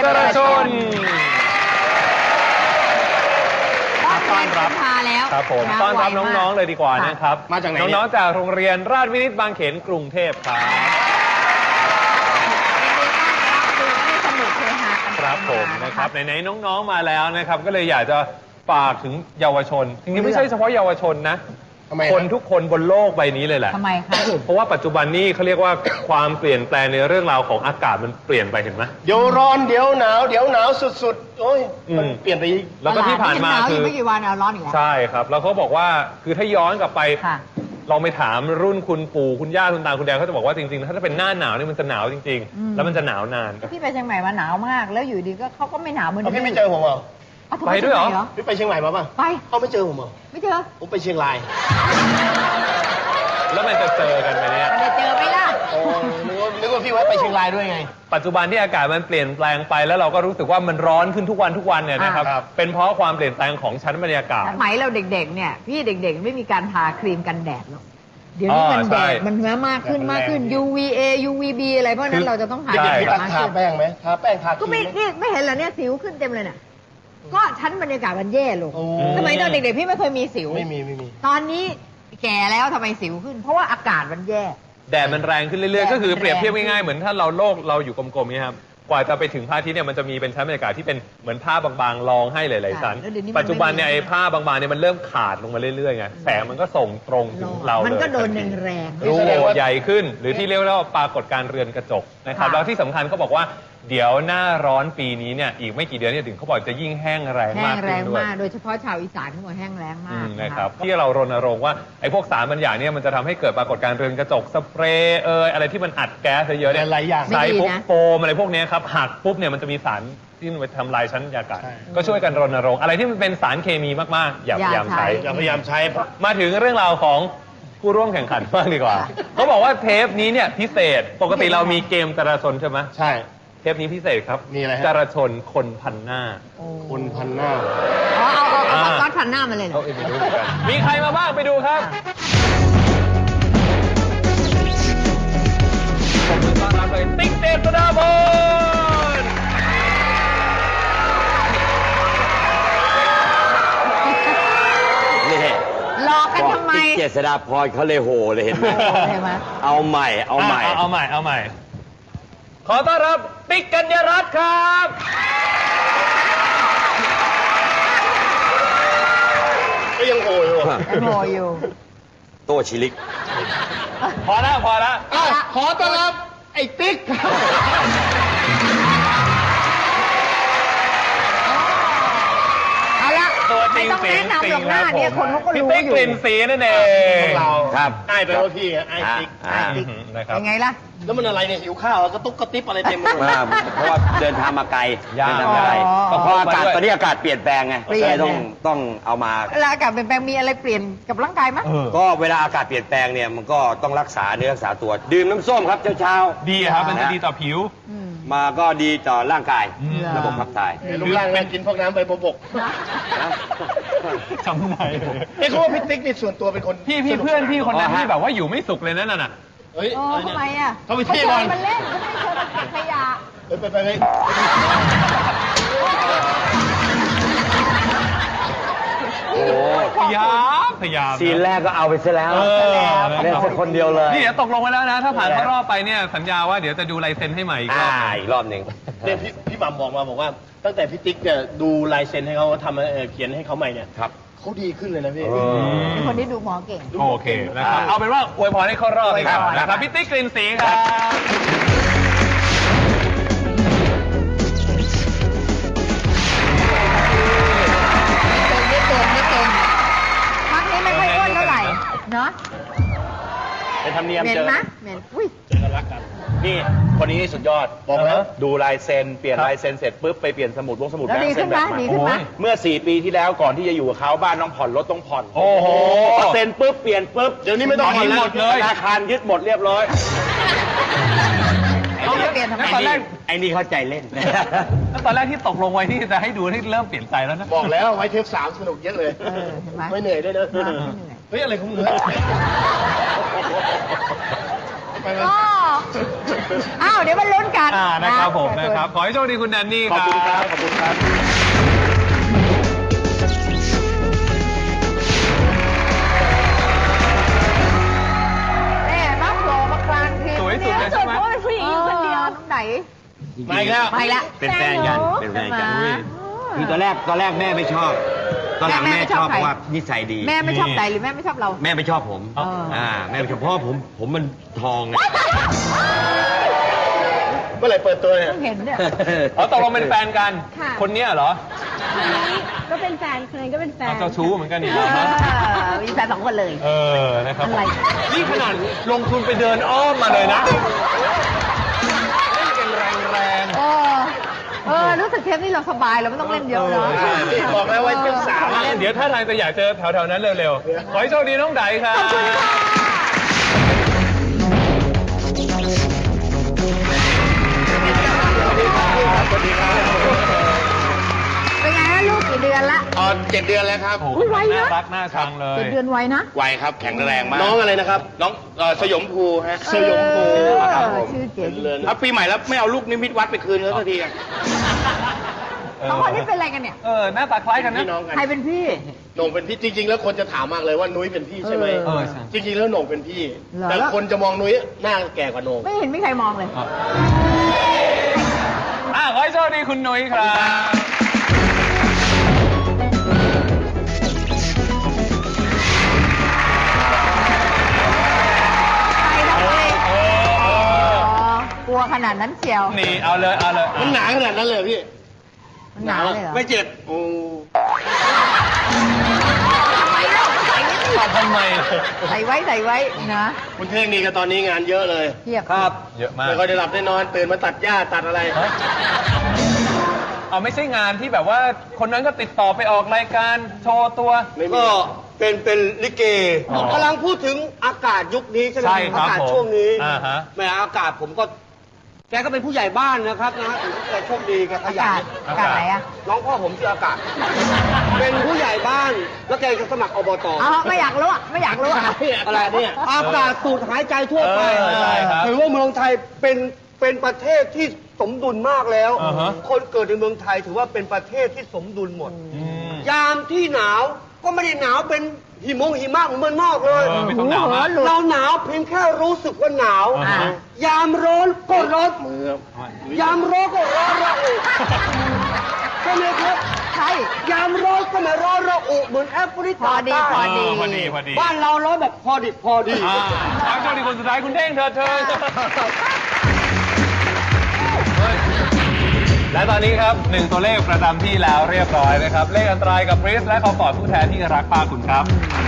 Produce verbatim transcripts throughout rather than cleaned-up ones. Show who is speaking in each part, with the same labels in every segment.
Speaker 1: รชน
Speaker 2: ต้อนรับมาแล้ว
Speaker 1: ครับผมต้อนรับน้องๆเลยดีกว่านะครับ
Speaker 3: มาจากไหน
Speaker 1: น้องๆจากโรงเรียนราชวินิตบางเขนกรุงเทพครับครับผมนะครับไหนๆน้องๆมาแล้วนะครับก็เลยอยากจะฝากถึงเยาวชนจริงๆไม่ใช่เฉพาะเยาวชนนะคนทุกคนบนโลกใบนี้เลยแหละ
Speaker 2: ทำไมคะ
Speaker 1: เพราะว่าปัจจุบันนี้เขาเรียกว่าความเปลี่ยนแปลงในเรื่องราวของอากาศมันเปลี่ยนไปเห็นไหม
Speaker 3: เดี๋ยวร้อนเดี๋ยวหนาวเดี๋ยวหนาวสุดๆโอ้ยมันเปลี่ยนไป
Speaker 1: แล้วก็ที่ผ่านมาคือ
Speaker 2: ไม่กี่วันเอาร้อนอีกแล้ว
Speaker 1: ใช่ครับแล้วเขาบอกว่าคือถ้าย้อนกลับไปลองไปถามรุ่นคุณปู่คุณย่าคุณตาคุณยายเขาจะบอกว่าจริงๆถ้าเป็นหน้าหนาวนี่มันจะหนาวจริงๆแล้วมันจะหนาวนาน
Speaker 2: พี่ไปเชียงใหม่มาหนาวมากแล้วอยู่ดีก็เขาก็ไม่หนาวเหมือน
Speaker 3: พี่ไม่เจอผมเหรอ
Speaker 1: ไปด้วยเหรอ
Speaker 3: พี่ไปเชียงใหม่มาป่ะ
Speaker 2: ไป
Speaker 3: เขาไม่เจอผมเหรอ
Speaker 2: ไม่เจอ
Speaker 3: ผมไปเชียงราย
Speaker 1: แล้วมันจะเจอกันไหมเนี่ย
Speaker 2: จะเจอไหมล่ะ
Speaker 3: โอ้นึกว่านึกว่าพี่ไว้ไปเชียงรายด้วยไง
Speaker 1: ปัจจุบันที่อากาศมันเปลี่ยนแปลงไปแล้วเราก็รู้สึกว่ามันร้อนขึ้นทุกวันทุกวันเนี่ยนะครับเป็นเพราะความเปลี่ยนแปลงของชั้นบรรยากาศ
Speaker 2: สมัยเราเด็กๆเนี่ยพี่เด็กๆไม่มีการทาครีมกันแดดหรอกเดี๋ยวนี้มันแดดมันมากขึ้นมากขึ้น ยู วี เอ ยู วี บี อะไรเพราะนั้นเราจะต้องทา
Speaker 3: แป้งทาแป้งไหมทาแป้งทา
Speaker 2: ก็ไม่นี่ไม่เห็นเหรอเนี่ยสิวขึ้นเต็มเลยเนี่ยก็ชั้นบรรยากาศมันแย่ลงสมัยตอนเด็กๆพี่ไม่เคยมีสิว
Speaker 3: ไม่มีไม่มี
Speaker 2: ตอนนี้แก่แล้วทำไมสิวขึ้นเพราะว่าอากาศมันแย่
Speaker 1: แดดมันแรงขึ้นเรื่อยๆก็คือเปรียบเทียบง่ายๆเหมือนถ้าเราโลกเราอยู่กลมๆนี้ครับกว่าจะไปถึงพระอาทิตย์เนี่ยมันจะมีเป็นชั้นบรรยากาศที่เป็นเหมือนผ้าบางๆรองให้หลายๆชั้นปัจจุบันเนี่ยไอ้ผ้าบางๆเนี่ยมันเริ่มขาดลงมาเรื่อยๆไงแสงมันก็ส่งตรงถึงเราเลย
Speaker 2: มันก็โดนแรง
Speaker 1: รูใหญ่ขึ้นหรือที่เรียกว่าปรากฏการเรือนกระจกนะครับแล้วที่สำคัญเขาบอกว่าเดี๋ยวหน้าร้อนปีนี้เนี่ยอีกไม่กี่เดือนเนี่ยถึงเขาบอกจะยิ่งแห้งแรงมากขึ้นด้วย
Speaker 2: โดยเฉพาะชาวอีสานเขาบอกแห้งแรงมาก
Speaker 1: นะครับที่เรารณรงค์ว่าไอ้พวกสารบางอย่างเนี่ยมันจะทำให้เกิดปรากฏการณ์เรือนกระจกสเปรย์เอ่ยอะไรที่มันอัดแก๊สเยอะๆเนี่ย
Speaker 3: หลายอย่าง
Speaker 1: ใส่ปุ๊บโฟมอะไรพวกนี้ครับหักปุ๊บเนี่ยมันจะมีสารที่ไปทำลายชั้นบรรยากาศก็ช่วยกันรณรงค์อะไรที่มันเป็นสารเคมีมากๆอย่าพยายามใช้
Speaker 3: อย่าพยายามใช้
Speaker 1: มาถึงเรื่องราวของผู้ร่วมแข่งขันบ้างดีกว่าเขาบอกว่าเทปนี้เนี่ยพิเศษปกติเรามีเกมจราชนใช่ไหม
Speaker 3: ใช่
Speaker 1: เทปนี้พิเศษครับ
Speaker 3: มีอะไร
Speaker 1: จราชนคนพันหน้า
Speaker 3: คนพันหน้า
Speaker 2: อ๋อเอาเอาเอาก้อนพันหน้ามาเลยเหรอ
Speaker 1: ไปดูกันมีใครมาบ้างไปดูครับผมต้อนรับเลยติ๊กเจษฎาพร
Speaker 4: นี่
Speaker 2: หลอกกันทำไม
Speaker 4: ติ๊กเจษฎาพรเขาเลยโหเลยเห็นไหมเอาใหม่เอาใหม่
Speaker 1: เอาใหม่เอาใหม่ขอต้อนรับติ๊กกัญญรัตน์ครับ
Speaker 3: ก็ยังโหอยู่
Speaker 2: ยังโหอยู่
Speaker 4: โตชิลิก
Speaker 1: พอแล้วพอแล้ว
Speaker 3: ขอต้อนรับไอ้ติ๊ก
Speaker 2: เอาละไม่ต้องแนะนำหรอกหน้าเนี่ยคนเขาก็รู้อยู่
Speaker 1: พี่ติ๊กกลิ่นสีนั่นเอง
Speaker 3: เรา
Speaker 4: ครับ
Speaker 3: ไอ้ไปว่าพี่ไอ้ติ๊ก
Speaker 2: ไอ้ติ๊กยังไงล่ะ
Speaker 3: แล้วมันอะไรเนี่ยหิวข้าวกระตุกกระติบอะไรเต็มไปหมด
Speaker 4: เพราะว่าเดินทางมาไกลเดินทางมาไกลก็เพราะอากาศตอนนี้อากาศเปลี่ยนแปลงไงเลยต้องต้องเอามา
Speaker 2: เวลาอากาศเปลี่ยนแปลงมีอะไรเปลี่ยนกับร่างกายไหม
Speaker 4: ก็เวลาอากาศเปลี่ยนแปลงเนี่ยมันก็ต้องรักษาเนื้อรักษาตัวดื่มน้ำส้มครับเช้า
Speaker 1: ๆดีครับมันจะดีต่อผิว
Speaker 4: มาก็ดีต่อร่างกายระบบขับถ่าย
Speaker 3: ลูกร่างแม่กินพวกน้ำใบบก
Speaker 1: จำไหน
Speaker 3: ไอ้เขาว่าพี่ติ๊กนี่ส่วนตัวเป็นคน
Speaker 1: พี่พี่เพื่อนพี่คนนั้นที่แบบว่าอยู่ไม่สุขเลยนั่นน่ะ
Speaker 3: เฮ้ย
Speaker 2: ทำไมอ่ะ
Speaker 3: เขาไปเที่ยวก่อน
Speaker 2: มันเล่นเขาไม่เชิญเก็บขยะ
Speaker 3: ไปไปไปไป
Speaker 4: โอ้
Speaker 1: พยายามพยายาม
Speaker 4: ซีนแรกก็เอาไปซะแล้วเล่นคนเดียวเลย
Speaker 1: นี่เดี๋ยวตกลงไปแล้วนะถ้าผ่านเข้ารอบไปเนี่ยสัญญาว่าเดี๋ยวจะดูลายเซ็นให้ใหม่อีกรอบ
Speaker 4: อีกรอบหนึ่ง
Speaker 3: เนี่ยพี่พี่หม่ำบอกมาบอกว่าตั้งแต่พี่ติ๊กเนี่ยดูลายเซ็นให้เขาทำเขียนให้เขาใหม่เนี่ย
Speaker 4: ครับ
Speaker 3: เขาดีขึ้นเลยนะพี่
Speaker 2: เป็นคนที่ดูหมอเก่ง
Speaker 1: โอเคนะครับเอาเป็นว่าอวยพรให้เข้ารอบเลยครับนะครับพี่ติ๊กกลิ่นสีครับ
Speaker 2: เนาะ
Speaker 3: เป็นธรรมเนียม
Speaker 2: เจอนะเหม็นอุ้ย
Speaker 3: เจอกันรักกันนี่คนนี้สุดยอดบอกแล้วดูลายเซ็นเปลี่ยนลายเซ็นเสร็จปุ๊บไปเปลี่ยนสมุดวงสมุดแบงค์เซ็นแบบใหม่เมื่อสี่ปีที่แล้วก่อนที่จะอยู่กับเขาบ้านต้องผ่อนรถต้องผ่อน
Speaker 1: โอ้โห
Speaker 3: เซ็นปุ๊บเปลี่ยนปุ๊บเดี๋ยวนี้ไม่ต้องผ่อน
Speaker 1: หมดเลย
Speaker 3: ธนาคารยึดหมดเรียบร้อย
Speaker 2: เขาเปลี่ยนทำไม
Speaker 4: ตอนแรกไอ้นี่เข้าใจเล่น
Speaker 1: แล้วตอนแรกที่ตกลงไว้ที่จะให้ดูที่เริ่มเปลี่ยนใจแล้วนะ
Speaker 3: บอกแล้วไว้เทปสามสนุกเยอะเลยไม่เหนื่อยด้วยนะเฮ้ยอะไรของมึง
Speaker 2: อ๋ออ้าวเดี๋ยวมันลุ้นกัน
Speaker 1: อ่านะครับผม
Speaker 2: นะ
Speaker 1: นะครับ ขอให้โชคดีคุณแดนนี่
Speaker 3: ข
Speaker 1: ค
Speaker 3: อบ
Speaker 1: รับ
Speaker 3: คุณครับ ขอบคุณครับ
Speaker 2: แม่มาโผล่มากลางที
Speaker 1: สวยสุดเลยใช่ไหม
Speaker 5: เพราะว่าเป็นผู้หญิงอยู่คนเดียว
Speaker 2: น้องไหน
Speaker 3: มาอีกแล้ว
Speaker 2: ไปละ
Speaker 4: เป็นแฟนกัน เป็นแฟนกัน
Speaker 2: ใช่ไหม
Speaker 4: คือตอนแรกตอนแรกแม่ไม่ชอบ ตอนหลัง
Speaker 2: แม่
Speaker 4: แม่
Speaker 2: ไม่
Speaker 4: ช
Speaker 2: ช
Speaker 4: อ
Speaker 2: อ
Speaker 4: บบ เพ
Speaker 2: ใคร
Speaker 4: ราะว่านิสัยดี
Speaker 2: แม่ไม่ชอบไหนหรือแม่ไม่ชอบเรา
Speaker 4: แม่ไม่ชอบผม
Speaker 2: อ๋ออ่
Speaker 4: อ่าแม่ไม่ชอบเพราะว่าผมผมมันทองไง
Speaker 3: เมื่อไหร่เปิดตัวเนี่ย
Speaker 2: เพิ่งเห็นเนี่ย
Speaker 1: อ๋อตกลงเป็นแฟนกัน
Speaker 5: ค่ะ
Speaker 1: คนเนี้ยเหรอ
Speaker 5: คนนี้ก็เป็นแฟนคนนั้นก็เป็นแฟน
Speaker 1: เอาเจ้าชู้เหมือนกันอีก
Speaker 2: เอ
Speaker 1: เหรอ
Speaker 2: อมีแฟนสองคนเลย
Speaker 1: เออ นะครับ
Speaker 2: อะไร
Speaker 1: นี่ขนาดลงทุนไปเดินอ้อมมาเลยนะเล่นกันแรงๆ
Speaker 2: เออ เออ รู้สึกเทปนี้เราสบายเราไม่ต้องเล่นเยอะเนาะ
Speaker 1: เออใช่
Speaker 3: บอกแล้วว่าเจ้าสาว
Speaker 1: อ่ะเดี๋ยวถ้าทางจะอยากเจอแถวๆนั้นเร็วๆ ขอให้โชคดีน้องไดครับ
Speaker 2: ขอบคุณค่ะเป็นไงฮะลูกกี่เดือนละ
Speaker 3: อ๋อเจ็ดเดือนแล้วครับ
Speaker 1: โอ้โห
Speaker 2: อุ๊ยไวนะ
Speaker 1: น่ารักน่าชังเลย
Speaker 2: เจ็ดเดือนไวนะ
Speaker 3: ไวครับ แข็งแรงมาก น้องอะไรนะครับ น้องเอ่อสยมภูฮะ สยมภู
Speaker 2: เออ
Speaker 3: ครับผม
Speaker 2: ชื่อเจ๋ง
Speaker 3: เอาปีใหม่แล้วไม่เอาลูกนิมิตวัดไปคืนเขาสักทีอะ
Speaker 2: สองคนนี้เป็นอะไรกันเนี่ย
Speaker 1: เออ หน้าตาคล้ายกันนะ
Speaker 3: พี่น้องกัน
Speaker 2: ใครเป็นพี่
Speaker 6: โหน่งเป็นพี่จริง ๆ แล้วคนจะถามมากเลยว่านุ้ยเป็นพี่ใช่ไหม
Speaker 1: เออใช่
Speaker 6: จริง ๆ แล้วโหน่งเป็นพี่
Speaker 2: เหรอ
Speaker 6: แต่คนจะมองนุ้ยหน้าแก่กว่าโหน่ง
Speaker 2: ไม่เห็นมีใครมองเลย
Speaker 1: อ่ะอ่ะขอให้โชคดีคุณนุ้ยครับ
Speaker 2: ใครทำไม
Speaker 1: เออเอ
Speaker 2: อ๋
Speaker 1: อ
Speaker 2: อกลัวขนาดนั้นเชียว
Speaker 1: นี่เอาเลย เอาเลย
Speaker 6: มันหนาขนาดนั้นเลยพี่
Speaker 2: มันหนาวเลยเหรอ
Speaker 6: ไม่เจ็บโอ้
Speaker 2: ทำไมเล่าใส่ไว้สิ
Speaker 1: ตอบทำไม
Speaker 2: ใส่ไว้ใส่ไว้นะ
Speaker 6: คุณเท่งนี่ก็ตอนนี้งานเยอะเลย
Speaker 2: เทียบ
Speaker 4: ครับ
Speaker 1: เยอะมาก
Speaker 6: ไม่ค่อยได้หลับได้นอนตื่นมาตัดหญ้าตัดอะไร
Speaker 1: ฮะเอาไม่ใช่งานที่แบบว่าคนนั้นก็ติดต่อไปออกรายการโชว์ตัว
Speaker 6: ไม่มี
Speaker 7: ก็เป็นเป็นลิเก
Speaker 1: อ๋อ
Speaker 7: กำลังพูดถึงอากาศยุคนี้ใช่ไหม
Speaker 1: ใช่ครับ
Speaker 7: อากาศ
Speaker 1: ผม
Speaker 7: ช่วงนี้
Speaker 1: อ่าฮะ
Speaker 7: แหม่อากาศผมก็ แกก็เป็นผู้ใหญ่บ้านนะครับนะถือว่าแกโชคดีแกข
Speaker 2: อา
Speaker 7: ยั
Speaker 2: กาศ
Speaker 7: น
Speaker 2: อากาศไหนอะ
Speaker 7: น้องพ่อผมชื่ออากาศ เป็นผู้ใหญ่บ้าน แล้วแกจะสมัครอบต
Speaker 2: อ๋อไม่อยากรู้อะไม่อยากรู้อะ
Speaker 7: อะไรเนี่ยอากาศสูดหายใจทั่วไป
Speaker 1: เออใช่ครับ
Speaker 7: ถือว่าเมืองไทยเป็นเป็นประเทศที่สมดุลมากแล้ว
Speaker 1: อ่าฮะ
Speaker 7: คนเกิดในเมืองไทยถือว่าเป็นประเทศที่สมดุลหมด
Speaker 1: อืม
Speaker 7: ยามที่หนาวก็ไม่ได้หนาวเป็นหิมงหิมะเหมือนเมืองนอกเลย
Speaker 1: เออไม่ต้องหนาวมาก
Speaker 7: เราหนาวเพียงแค่รู้สึกว่าหนาว
Speaker 1: อ่าฮะ
Speaker 7: ยามร้อนก็ร้อน
Speaker 6: มือย
Speaker 7: ามร้อนก็ร้อนระอุใช่ไหมครับ
Speaker 2: ใช่
Speaker 7: ยามร้อนก็ไม่ร้อนระอุเหมือนแอฟริ
Speaker 2: พอก
Speaker 7: า
Speaker 2: ดี
Speaker 7: ใต้
Speaker 2: พอดี
Speaker 1: เออพอดีพอดี
Speaker 7: บ้านเราร้อนแบบพอดิบพอดี
Speaker 1: อ่าเอาโชคดีคนสุดท้ายคุณเท่งเธอเธอเฮ้ยและตอนนี้ครับหนึ่งตัวเลขประจำที่แล้วเรียบร้อยนะครับ เลขอันตรายกับริสและคอมฟอร์ตผู้แทนที่รักป้าคุณครับ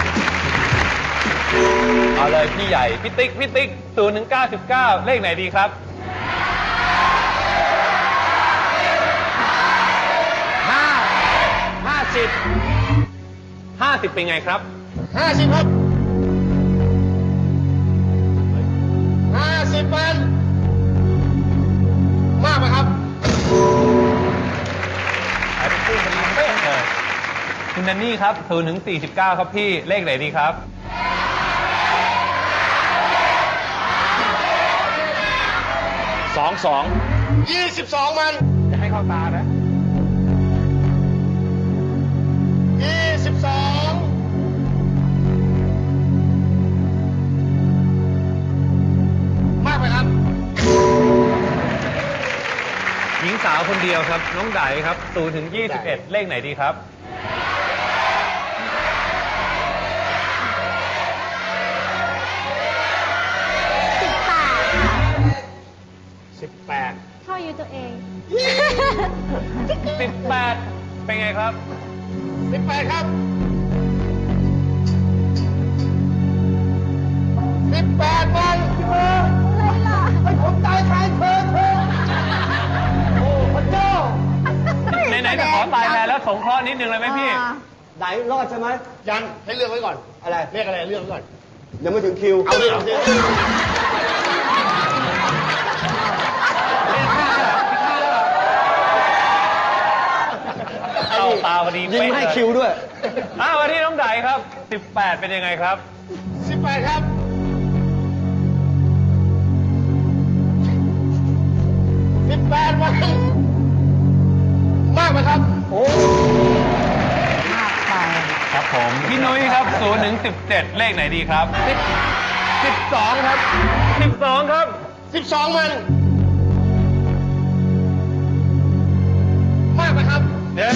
Speaker 1: เอาเลยพี่ใหญ่ พี่ติ๊ก พี่ติ๊กศูนย์ถึงเก้าสิบเก้าเลขไหนดีครับ ห้า ห้าสิบ ห้าสิบเป็นไงครับ
Speaker 6: ห้าสิบครับห้าสิบพันมากไหมครับ
Speaker 1: หายไปครึ่งพอดีเป๊ะเลยคุณแดนนี่ครับศูนย์ถึงสี่สิบเก้าครับพี่ เลขไหนดีครับ
Speaker 3: สองสอง
Speaker 6: ยี่สิบสองมัน
Speaker 1: จะให้เข้าตานะ
Speaker 6: ยี่สิบสองมากไหมครับ
Speaker 1: หญิงสาวคนเดียวครับ น้องไดครับศูนย์ถึงยี่สิบเอ็ดเลขไหนดีครับ
Speaker 5: สิบแปดค่ะ
Speaker 6: สิบแปด
Speaker 5: ชอบอายุตัวเอง
Speaker 1: สิบแปดเป็นไงครับ
Speaker 6: สิบแปดครับสิบแปดมันเธอให้ผมตายแทนเธอเธอโอ้พระเจ้า
Speaker 1: ไหนๆจะขอตายแทนแล้วสงเคราะห์นิดนึงเลยไหมพี่
Speaker 2: อ่า
Speaker 7: ไหนรอดใช่ไหม
Speaker 6: ยังให้เลือกไว้ก่อน
Speaker 7: อะไร
Speaker 6: เรียกอะไรเลือกไว้ก่อน
Speaker 7: ยังไม่ถึงคิว
Speaker 6: เอาเลยเอาเลย
Speaker 1: เข้าตาพอดี
Speaker 7: ยิงไม่ให้คิวด้วย
Speaker 1: อ้าววันที่น้องไดครับสิบแปดเป็นยังไงครับ
Speaker 6: สิบแปดครับ
Speaker 1: ผมพี่นุ้ยครับศูนย์ถึงสิบเจ็ดเลขไหนดีครับสิบ สิบสองครับสิบสองครับ
Speaker 6: สิบสองมัน มากไหมครับ
Speaker 1: เดี๋ยว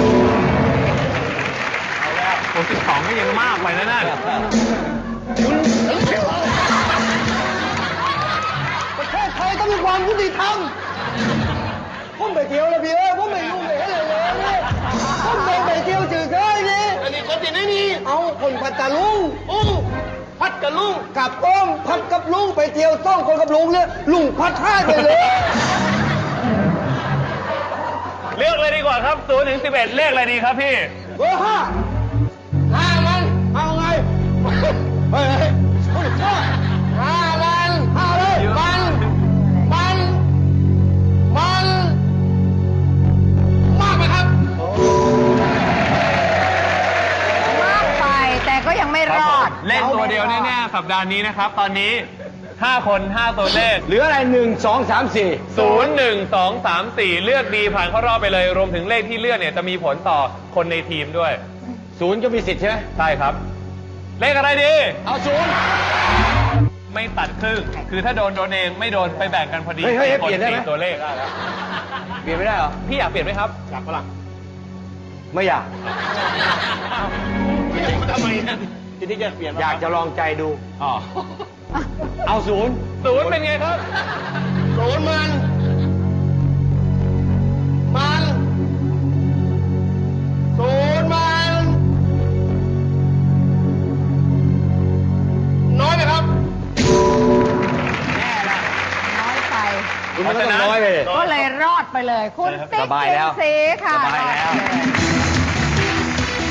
Speaker 1: เอาแล้วโอ้สิบสองก็ยังมากไปนะนั่น
Speaker 6: ประเทศไทยต้องมีความยุติธรรมผมไปเที่ยวแล้วพี่เอ้ยผมไม่ยุ่งเลยเลยเลยผมไปไปเที่ยวจืดเลยนี่อันนี้คนที่ไหนนี่เอาคนพัทลุงอู้พัดกับลุงกับอ้อมพัดกับลุงไปเที่ยวต้องคนกับลุงเนี่ยลุงพัดท่าไปเลย
Speaker 1: เลือกเลยดีกว่าครับศูนย์ถึงสิบเอ็ดเลขอะไรดีครับพี่
Speaker 6: เบอร์ห้าห้ามันเอาไงเฮ้ยเฮ้ยเฮ้ยห้ามันห้าเลยมันมันมันมากไหมครับ
Speaker 2: มากไปแต่ก็ยังไม่รอด
Speaker 1: เล่นตัวเดียวแน่ๆสัปดาห์นี้นะครับ ตอนนี้ห้าคนห้าตัวเลข
Speaker 4: เหลืออะไรหนึ่งสองสามสี่
Speaker 1: ศูนย์ หนึ่ง สอง สาม สี่เลือกดีผ่านเข้ารอบไปเลย รวมถึงเลขที่เลือกเนี่ยจะมีผลต่อคนในทีมด้วย
Speaker 4: ศูนย์ก็มีสิทธิ์ใช่ไหม
Speaker 1: ใช่ครับ เลขอะไรดี
Speaker 4: เอาศูนย์
Speaker 1: ไม่ตัดครึ่ง คือถ้าโดนโดนเองไม่โดนไปแบ่งกันพอดี
Speaker 4: เฮ้ยเฮ้ย
Speaker 1: คน
Speaker 4: เปลี่ยนได้ไหม
Speaker 1: สี่ตัวเลข
Speaker 4: เปลี่ยนไม่ได้เหรอ
Speaker 1: พี่อยากเปลี่ยนไหมครับ
Speaker 6: อยากปะล่ะ
Speaker 4: ไม่อยาก
Speaker 6: ทำไมนะที่ที่จะเปลี่ยน
Speaker 4: อยากจะลองใจดู
Speaker 1: อ๋อ
Speaker 4: เอาศูนย์
Speaker 1: ศูนย์เป็นไงครับ
Speaker 6: ศูนย์มัน มันศูนย์มัน น้อยไหมครับ
Speaker 2: น้อยไป
Speaker 4: คุณมันก็ต้องน้อยไปเลย
Speaker 2: ก็เลยรอดไปเลย คุณติ๊ก
Speaker 4: สบายแล้ว
Speaker 2: เจนซีค่ะ
Speaker 4: สบายแล้ว
Speaker 2: รอดไปเย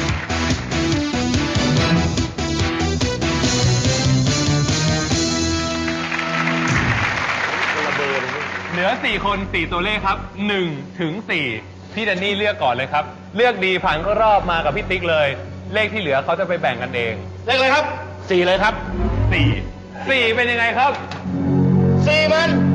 Speaker 1: เหลือสี่คนสี่ตัวเลขครับหนึ่งถึงสี่พี่แดนนี่เลือกก่อนเลยครับ เลือกดีผ่านก็รอบมากับพี่ติ๊กเลย เลขที่เหลือเขาจะไปแบ่งกันเอง
Speaker 6: เลขอะไรครับ สี่เลยครับ
Speaker 1: สี่สี่เป็นยังไงครับ
Speaker 6: สี่มัน